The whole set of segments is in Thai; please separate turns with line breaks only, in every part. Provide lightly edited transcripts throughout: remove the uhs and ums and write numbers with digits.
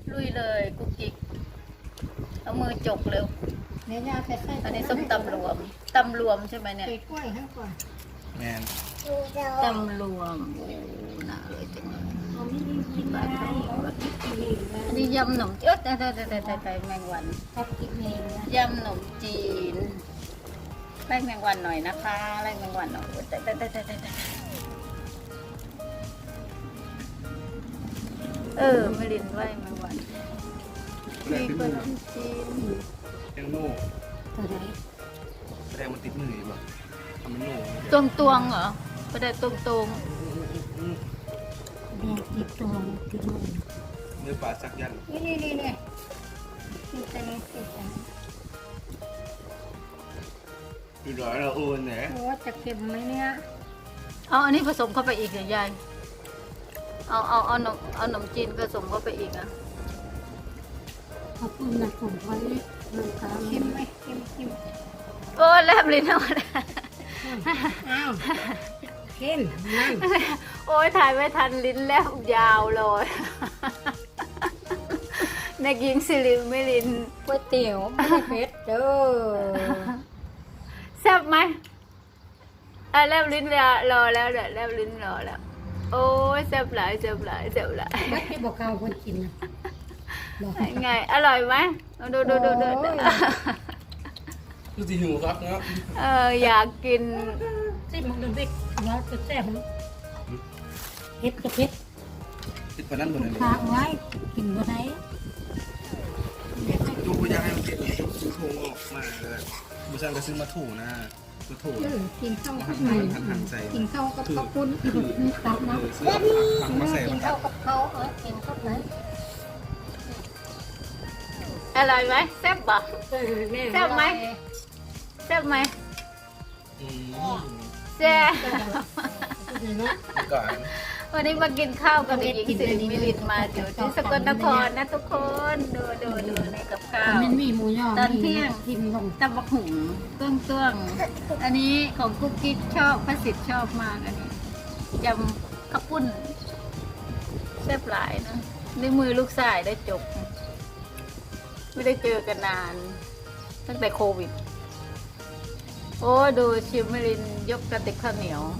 ลุยเลยกุ๊กกิ๊กเอามือจกเร็ว
เนี่ยยาใส่ไข่
อันนี้ส้มตำรวมใช่ไหมเนี่ย
ใส่กล้วยให้ก่อน
แมน
ตำรวมโอ้น่าเลยจังเลย
เอาไม่ได้กินอะไรเอากินเองนะ
อันนี้ยำขนมเอ๊ะแต่แมงวัน
ชอบกินเองนะ
ยำขนมจีนไล่แมงวันหน่อยนะคะไล่แมงวันหน่อยแต่ไม่ลินไล่แมงวัน
แร
มี
กติด
ข
มื
น
อ
มจีน
แตงโม่
ตัวไหน
แสดงมันติดมืออยู่แบบทำเป็นโม่
ตวงเหรอประเดี๋ยวตรง
แดงติดตัวติดมือ
เนื้อปลาสักยัน
นี่ติดแต่ไหนติดแต่
ดูร้อยเราโอนเนี่ย
โอ้จะเค็มไหมเนี่ย
เอาอันนี้ผสมเข้าไปอีกเหรอยายเอาขนมจีนผสมเข้าไปอีกอ่ะ
ขอบคุณนะผมไว้มันก็เค็มไหมเค็ม
โอ้แลบลิ้นเอา
อ้าวเค็มนั่น
โอ้ยถ่ายไม่ทันลิ้นแลบยาวเลยนักยิงสิริไม่ลิน
ก๋วยเตี๋ยวไม่ได้เผ็ดเด้อ
แซ่บไหมแลบลิ้นรอแล้วเดี๋ยวแลบลิ้นรอแล้ว โอ้ยแซ่บหลาย
ไม่ที่บอกเอาคนกินนะบอก
ไงอร่อยไหมดู
ดูสิหิวครับเนาะ
อยากกิน
ที่มันดูดิแล้วจะแซ่บมันเผ็ดก็เผ็ด
ติดปลานั่นหมดเลย
ฝากไว้กินบ่ได้
ดูพยาให้มันติดซื้อโครงออกมาเลยบูชาก็ซื้อมาถูนะมาถู
กินข้าว
มา
กับ
หั่นใส่
กินข้าวกับข้าวปุ้นตับนะ
ซื้อผักมาใส่
กิ
มาน
ข้าวกับข้าวกินข้าวไหน
อร่อยไหมแซ่บปะ แซ่บไหม แซ่บไหมแซ่บ
ก่อน
วันนี้มากินข้าวกับเด็กหญิงสิริมิลินมาอยู่ที่สกลนครนะทุกคนดูในกับข้าว
มันมีหมูย่อ
ตอนเที่ยง
ทิมลง
ตำบักหุ่งต้วงอันนี้ของกุ๊กกิ๊กชอบพระสิทธิ์ชอบมากอันนี้ยำข้าวปุ้นแซ่บหลายนะในมือลูกชายได้จบ ไม่ได้เจอกันนาน ตั้งแต่โควิด โอ้ดูชิมมิลินยกกระติกข้าวเหนียว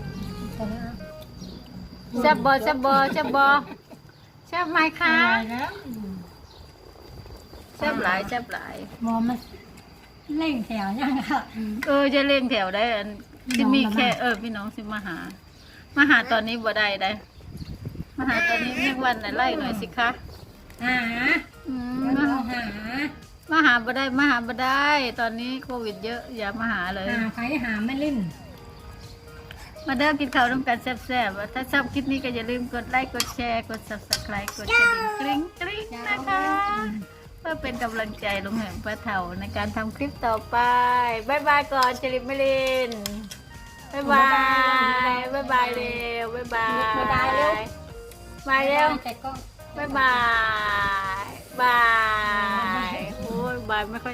แซ่บบอแซ่บไหมคะ
แล้ว
แซ่บหลาย
มอมันเล่งแถวยังค่ะ
จะเล่งแถวได้อันที่มีแค่พี่น้องสิมาหาตอนนี้บ่ได้ได้มาหาตอนนี้เรียกวันไหนไล่หน่อยสิคะ
หา
อืม
แล้วเราหา
มาหาบ่ได้ ตอนนี้โควิดเยอะอย่ามาหาเลย
หาใครหาไม่ลิ่น
มาเดินกินข้าวร่วมกันแซ่บๆถ้าชอบคลิปนี้ก็อย่าลืมกดไลค์กดแชร์กด subscribe กดกระดิ่งกริ๊งนะคะเพื่อเป็นกำลังใจลุงแหม่มป้าเฒ่าในการทำคลิปต่อไปบ๊ายบายก่อนจริตมิลินบ๊ายบายเร็วบ๊ายบายมาเร็ว
แต่ก็
บายโอ้ยบายไม่ค่อย